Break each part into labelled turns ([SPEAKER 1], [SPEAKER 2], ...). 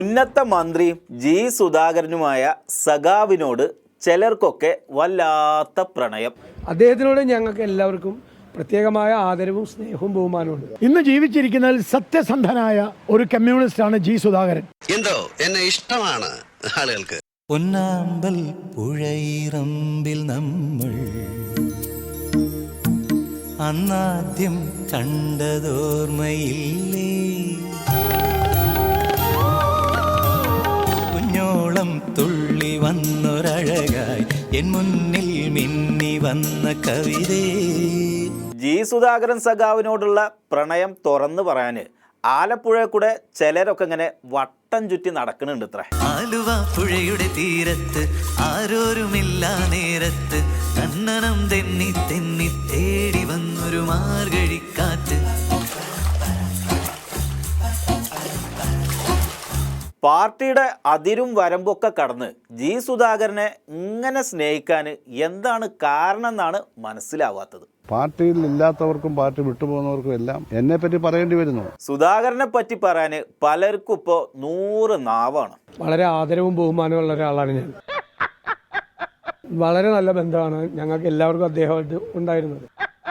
[SPEAKER 1] ഉന്നത മന്ത്രിയും ജി സുധാകരനുമായ സഖാവിനോട് ചിലർക്കൊക്കെ വല്ലാത്ത പ്രണയം.
[SPEAKER 2] അദ്ദേഹത്തിനോട് ഞങ്ങൾക്ക് എല്ലാവർക്കും പ്രത്യേകമായ ആദരവും സ്നേഹവും ബഹുമാനമുണ്ട്.
[SPEAKER 3] ഇന്ന് ജീവിച്ചിരിക്കുന്നതിൽ സത്യസന്ധനായ ഒരു കമ്മ്യൂണിസ്റ്റാണ് ജി സുധാകരൻ.
[SPEAKER 4] എന്തോ എന്നെ ഇഷ്ടമാണ് ആളുകൾക്ക്.
[SPEAKER 5] പൊന്നാമ്പൽ പുഴയിറമ്പിൽ നമ്മൾ അന്നാദ്യം കണ്ടതോർമ്മയില്ലേ, കുഞ്ഞോളം തുള്ളി വന്നൊരഴകായി എൻ മുന്നിൽ മിന്നി വന്ന കവിതേ.
[SPEAKER 1] ജി സുധാകരൻ സഖാവിനോടുള്ള പ്രണയം തുറന്നു പറയാന് ആലപ്പുഴ കൂടെ ചിലരൊക്കെ ഇങ്ങനെ വട്ടം ചുറ്റി നടക്കുന്നുണ്ട്. ഇത്ര
[SPEAKER 5] ആലുവ പുഴയുടെ തീരത്ത് ആരോരുമില്ല നേരത്ത് കണ്ണനം തെന്നി തെന്നി തേടി വന്നൊരു മാർഗഴിക്കാറ്റ്.
[SPEAKER 1] പാർട്ടിയുടെ അതിരും വരമ്പൊക്കെ കടന്ന് ജി സുധാകരനെ ഇങ്ങനെ സ്നേഹിക്കാൻ എന്താണ് കാരണം എന്നാണ് മനസ്സിലാവാത്തത്.
[SPEAKER 6] പാർട്ടിയിൽ ഇല്ലാത്തവർക്കും പാർട്ടി വിട്ടുപോകുന്നവർക്കും എല്ലാം എന്നെ പറ്റി പറയേണ്ടി വരുന്നു.
[SPEAKER 1] സുധാകരനെ പറ്റി പറയാന് പലർക്കും ഇപ്പോൾ 100 നാവാണ്.
[SPEAKER 2] വളരെ ആദരവും ബഹുമാനമുള്ള ഒരാളാണ് ഞാൻ. വളരെ നല്ല ബന്ധമാണ് ഞങ്ങൾക്ക് എല്ലാവർക്കും അദ്ദേഹമായിട്ട് ഉണ്ടായിരുന്നത്.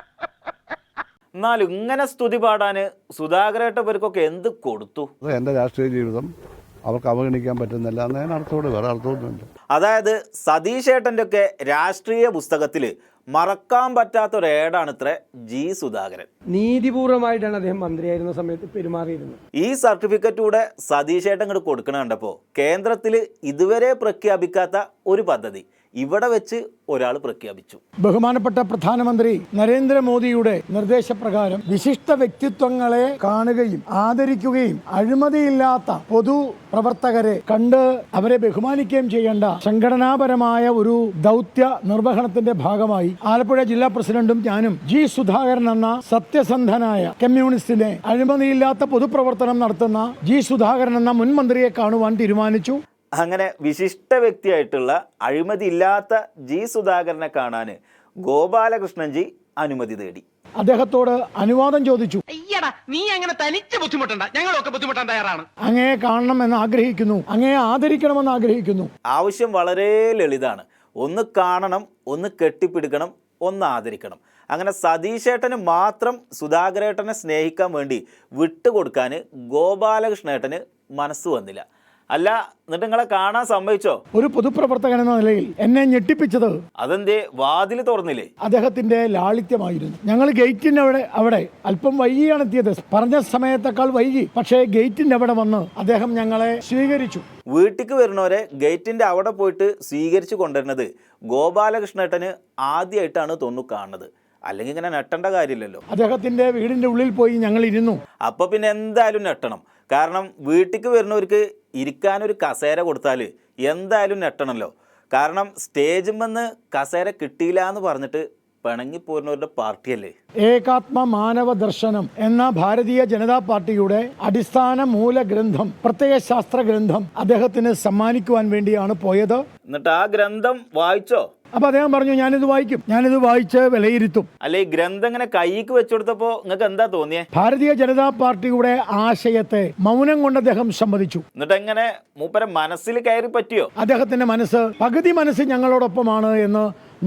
[SPEAKER 1] എന്നാലും ഇങ്ങനെ സ്തുതി പാടാന് സുധാകരേട്ടവർക്കൊക്കെ എന്ത് കൊടുത്തു?
[SPEAKER 6] എന്റെ രാഷ്ട്രീയ ജീവിതം അവർക്ക് അവഗണിക്കാൻ പറ്റുന്നില്ല എന്നതിന് അർത്ഥത്തോട് വേറെ അർത്ഥമൊന്നുമില്ല.
[SPEAKER 1] അതായത് സതീശേട്ടൻ്റെ ഒക്കെ രാഷ്ട്രീയ പുസ്തകത്തിൽ മറക്കാൻ പറ്റാത്ത ഒരു ഏടാണ് ഇത്ര ജി സുധാകരൻ.
[SPEAKER 2] നീതിപൂർവമായിട്ടാണ് അദ്ദേഹം മന്ത്രിയായിരുന്ന സമയത്ത് പെരുമാറിയിരുന്നത്.
[SPEAKER 1] ഈ സർട്ടിഫിക്കറ്റ് കൂടെ സതീശേട്ടൻ ഇങ്ങോട്ട് കൊടുക്കണ കണ്ടപ്പോൾ കേന്ദ്രത്തിൽ ഇതുവരെ പ്രഖ്യാപിക്കാത്ത ഒരു പദ്ധതി ഇവിടെ വെച്ച് ഒരാൾ പ്രഖ്യാപിച്ചു.
[SPEAKER 3] ബഹുമാനപ്പെട്ട പ്രധാനമന്ത്രി നരേന്ദ്രമോദിയുടെ നിർദ്ദേശപ്രകാരം വിശിഷ്ട വ്യക്തിത്വങ്ങളെ കാണുകയും ആദരിക്കുകയും അഴിമതിയില്ലാത്ത പൊതു പ്രവർത്തകരെ കണ്ട് അവരെ ബഹുമാനിക്കുകയും ചെയ്യേണ്ട സംഘടനാപരമായ ഒരു ദൗത്യ നിർവഹണത്തിന്റെ ഭാഗമായി ആലപ്പുഴ ജില്ലാ പ്രസിഡന്റും ഞാനും ജി സുധാകരൻ എന്ന സത്യസന്ധനായ കമ്മ്യൂണിസ്റ്റിനെ അഴിമതിയില്ലാത്ത പൊതുപ്രവർത്തനം നടത്തുന്ന ജി സുധാകരൻ എന്ന മുൻ മന്ത്രിയെ കാണുവാൻ തീരുമാനിച്ചു.
[SPEAKER 1] അങ്ങനെ വിശിഷ്ട വ്യക്തിയായിട്ടുള്ള അഴിമതിയില്ലാത്ത ജി സുധാകരനെ കാണാൻ ഗോപാലകൃഷ്ണൻജി അനുമതി തേടി.
[SPEAKER 3] അദ്ദേഹത്തോട് അനുവാദം ചോദിച്ചു.
[SPEAKER 7] നീ അങ്ങനെ തനിച്ച് ബുദ്ധിമുട്ടണ്ട, ഞങ്ങളൊക്കെ ബുദ്ധിമുട്ടാൻ തയ്യാറാണ്.
[SPEAKER 3] അങ്ങയെ കാണണമെന്ന് ആഗ്രഹിക്കുന്നു, അങ്ങയെ ആദരിക്കണമെന്ന് ആഗ്രഹിക്കുന്നു.
[SPEAKER 1] ആവശ്യം വളരെ ലളിതാണ്. ഒന്ന് കാണണം, ഒന്ന് കെട്ടിപ്പിടിക്കണം, ഒന്ന് ആദരിക്കണം. അങ്ങനെ സതീശേട്ടന് മാത്രം സുധാകരേട്ടനെ സ്നേഹിക്കാൻ വേണ്ടി വിട്ടുകൊടുക്കാൻ ഗോപാലകൃഷ്ണേട്ടന് മനസ്സ് വന്നില്ല. അല്ല, എന്നിട്ട് നിങ്ങളെ കാണാൻ സമ്മതിച്ചോ?
[SPEAKER 3] ഒരു പൊതുപ്രവർത്തകൻ എന്ന നിലയിൽ എന്നെ ഞെട്ടിപ്പിച്ചത്
[SPEAKER 1] അതെന്തേ വാതിൽ തുറന്നില്ലേ?
[SPEAKER 3] അദ്ദേഹത്തിന്റെ ലാളിത്യമായിരുന്നു. ഞങ്ങൾ ഗേറ്റിന്റെ അവിടെ അല്പം വൈകിയാണ് എത്തിയത്. പറഞ്ഞ സമയത്തേക്കാൾ വൈകി. പക്ഷേ ഗേറ്റിന്റെ അവിടെ വന്ന് അദ്ദേഹം ഞങ്ങളെ സ്വീകരിച്ചു.
[SPEAKER 1] വീട്ടിക്ക് വരുന്നവരെ ഗേറ്റിന്റെ അവിടെ പോയിട്ട് സ്വീകരിച്ചു കൊണ്ടുവരുന്നത് ഗോപാലകൃഷ്ണേട്ടന് ആദ്യമായിട്ടാണ് തോന്നുന്നു കാണുന്നത്. അല്ലെങ്കിൽ ഇങ്ങനെ നെട്ടേണ്ട കാര്യമില്ലല്ലോ.
[SPEAKER 3] അദ്ദേഹത്തിന്റെ വീടിന്റെ ഉള്ളിൽ പോയി ഞങ്ങൾ ഇരുന്നു.
[SPEAKER 1] അപ്പൊ പിന്നെ എന്തായാലും നെട്ടണം. കാരണം വീട്ടിക്ക് വരുന്നവർക്ക് ഇരിക്കാനൊരു കസേര കൊടുത്താൽ എന്തായാലും നെട്ടണമല്ലോ. കാരണം സ്റ്റേജിൽ നിന്ന് കസേര കിട്ടിയില്ല എന്ന് പറഞ്ഞിട്ട് പിണങ്ങിപ്പോരുന്നവരുടെ പാർട്ടിയല്ലേ.
[SPEAKER 3] ഏകാത്മ മാനവ ദർശനം എന്ന ഭാരതീയ ജനതാ പാർട്ടിയുടെ അടിസ്ഥാന മൂലഗ്രന്ഥം, പ്രത്യയ ശാസ്ത്ര ഗ്രന്ഥം അദ്ദേഹത്തിന് സമ്മാനിക്കുവാൻ വേണ്ടിയാണ് പോയത്.
[SPEAKER 1] എന്നിട്ട് ആ ഗ്രന്ഥം വായിച്ചോ?
[SPEAKER 3] അപ്പൊ അദ്ദേഹം പറഞ്ഞു, ഞാനിത് വായിക്കും, ഞാനിത് വായിച്ച് വിലയിരുത്തും.
[SPEAKER 1] അല്ലെ, ഈ ഗ്രന്ഥം ഇങ്ങനെ കൈക്ക് വെച്ചുകൊടുത്തപ്പോ നിങ്ങൾക്ക് എന്താ തോന്നിയേ?
[SPEAKER 3] ഭാരതീയ ജനതാ പാർട്ടിയുടെ ആശയത്തെ മൗനം കൊണ്ട് അദ്ദേഹം സമ്മതിച്ചു.
[SPEAKER 1] എന്നിട്ട് എങ്ങനെ മൂപ്പരെ മനസ്സിൽ കയറി പറ്റിയോ?
[SPEAKER 3] അദ്ദേഹത്തിന്റെ പകുതി മനസ്സ് ഞങ്ങളോടൊപ്പമാണ് എന്ന്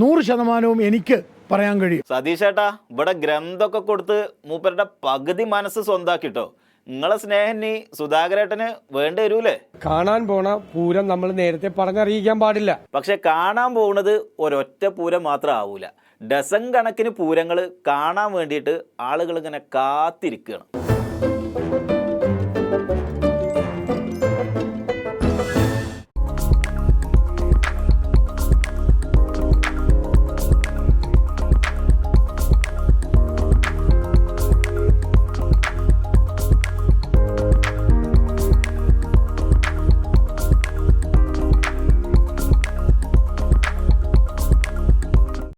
[SPEAKER 3] 100% എനിക്ക് പറയാൻ കഴിയും.
[SPEAKER 1] സതീശേട്ടാ, ഇവിടെ ഗ്രന്ഥമൊക്കെ കൊടുത്ത് മൂപ്പരുടെ പകുതി മനസ്സ് സ്വന്താക്കിട്ടോ. നിങ്ങളെ സ്നേഹം നീ സുധാകരേട്ടന് വേണ്ടി വരൂലേ?
[SPEAKER 2] കാണാൻ പോണ പൂരം നമ്മൾ നേരത്തെ പറഞ്ഞറിയിക്കാൻ പാടില്ല.
[SPEAKER 1] പക്ഷെ കാണാൻ പോകുന്നത് ഒരൊറ്റ പൂരം മാത്രം ആവൂല. ഡസൻ കണക്കിന് പൂരങ്ങൾ കാണാൻ വേണ്ടിയിട്ട് ആളുകൾ ഇങ്ങനെ കാത്തിരിക്കുകയാണ്.